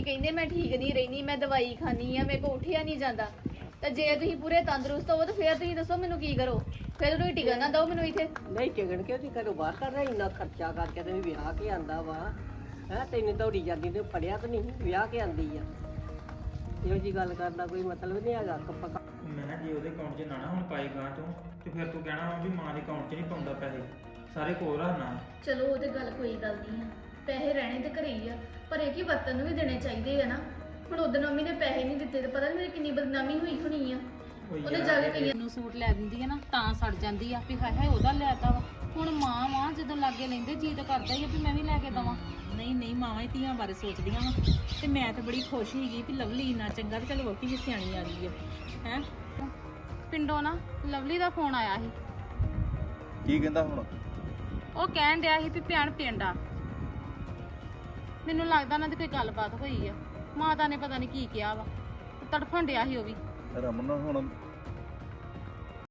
ਤੁਸੀਂ ਕਹਿੰਦੇ ਮੈਂ ਠੀਕ ਨਹੀਂ ਰਹਿਨੀ, ਮੈਂ ਦਵਾਈ ਖਾਣੀ ਆ, ਮੇਰੇ ਕੋ ਉੱਠਿਆ ਨਹੀਂ ਜਾਂਦਾ। ਤੇ ਜੇ ਤੁਸੀਂ ਪੂਰੇ ਤੰਦਰੁਸਤ ਹੋ ਤਾਂ ਫਿਰ ਤੁਸੀਂ ਦੱਸੋ ਮੈਨੂੰ ਕੀ ਕਰੋ? ਫਿਰ ਤੁਸੀਂ ਟਿਕਣ ਨਾ ਦਿਓ ਮੈਨੂੰ ਇੱਥੇ। ਨਹੀਂ ਟਿਕਣ ਕਿਉਂ? ਤੁਸੀਂ ਘਰੋਂ ਬਾਹਰ ਕਰ ਰਹੇ ਇੰਨਾ ਖਰਚਾ ਕਰਕੇ ਤੇ ਵਿਆਹ ਕੇ ਆਂਦਾ ਵਾ ਹੈ। ਤੈਨੂੰ ਦੌੜੀ ਜਾਂਦੀ ਤੇ ਫੜਿਆ ਤਾਂ ਨਹੀਂ, ਵਿਆਹ ਕੇ ਆਂਦੀ ਆ। ਇਹੋ ਜੀ ਗੱਲ ਕਰਨ ਦਾ ਕੋਈ ਮਤਲਬ ਨਹੀਂ ਹੈਗਾ। ਮੈਂ ਜੇ ਉਹਦੇ ਅਕਾਊਂਟ 'ਚ ਨਾ ਹੁਣ ਪਾਈ ਗਾਂ ਚੋਂ ਤੇ ਫਿਰ ਤੂੰ ਕਹਿਣਾ ਵੀ ਮਾਂ ਦੇ ਅਕਾਊਂਟ 'ਚ ਨਹੀਂ ਪਾਉਂਦਾ ਪੈਸੇ, ਸਾਰੇ ਕੋਲ ਰੱਖਣਾ। ਚਲੋ ਉਹ ਤੇ ਗੱਲ ਕੋਈ ਗੱਲ ਨਹੀਂ ਆ, ਪੈਸੇ ਰਹਿਣੇ ਤੇ ਘਰੇ ਹੀ ਆ, ਪਰ ਇਹ ਕੀ ਵਰਤਨ ਨੂੰ ਵੀ ਦੇਣੇ ਚਾਹੀਦੇ ਆ ਨਾ। ਹੁਣ ਉਦੋਂ ਮੰਮੀ ਨੇ ਪੈਸੇ ਨਹੀਂ ਦਿੱਤੇ ਤੇ ਪਤਾ ਨਹੀਂ ਮੇਰੀ ਕਿੰਨੀ ਬਦਨਾਮੀ ਹੋਈ ਹੋਣੀ ਆ। ਉਹਨੇ ਜਾ ਕੇ ਕਈਆਂ ਨੂੰ ਸੂਟ ਲੈ ਦਿੰਦੀ ਹੈ ਨਾ ਤਾਂ ਸੜ ਜਾਂਦੀ ਆ ਵੀ ਹਾਏ ਹਾਏ ਉਹਦਾ ਲੈਤਾ ਵਾ। ਹੁਣ ਮਾਂ ਜਦੋਂ ਲਾਗੇ ਲੈਂਦੇ ਜੀ ਤਾਂ ਕਰਦਾ ਹੀ ਆ ਵੀ ਮੈਂ ਵੀ ਲੈ ਕੇ ਦਵਾਂ। ਨਹੀਂ ਨਹੀਂ, ਮਾਵਾਂ ਹੀ ਧੀਆਂ ਬਾਰੇ ਸੋਚਦੀਆਂ ਵਾ। ਤੇ ਮੈਂ ਤਾਂ ਬੜੀ ਖੁਸ਼ ਸੀਗੀ ਵੀ ਲਵਲੀ ਇੰਨਾ ਚੰਗਾ ਤੇ ਚਲ ਵੋਟੀ ਵੀ ਸਿਆਣੀ ਆ ਗਈ ਹੈ। ਪਿੰਡੋਂ ਨਾ ਲਵਲੀ ਦਾ ਫੋਨ ਆਇਆ ਸੀ। ਕੀ ਕਹਿੰਦਾ ਹੁਣ? ਉਹ ਕਹਿਣ ਡਿਆ ਸੀ ਵੀ ਭੈਣ ਪਿੰਡ ਆ। ਮੈਨੂੰ ਲੱਗਦਾ ਉਹਨਾਂ ਦੀ ਕੋਈ ਗੱਲਬਾਤ ਹੋਈ ਆ। ਮਾਤਾ ਨੇ ਪਤਾ ਨਹੀਂ ਕੀ ਕਿਹਾ ਵਾ, ਤੜਫਣ ਡਿਆ ਸੀ ਉਹ ਵੀ। ਰਮਨ ਹੁਣ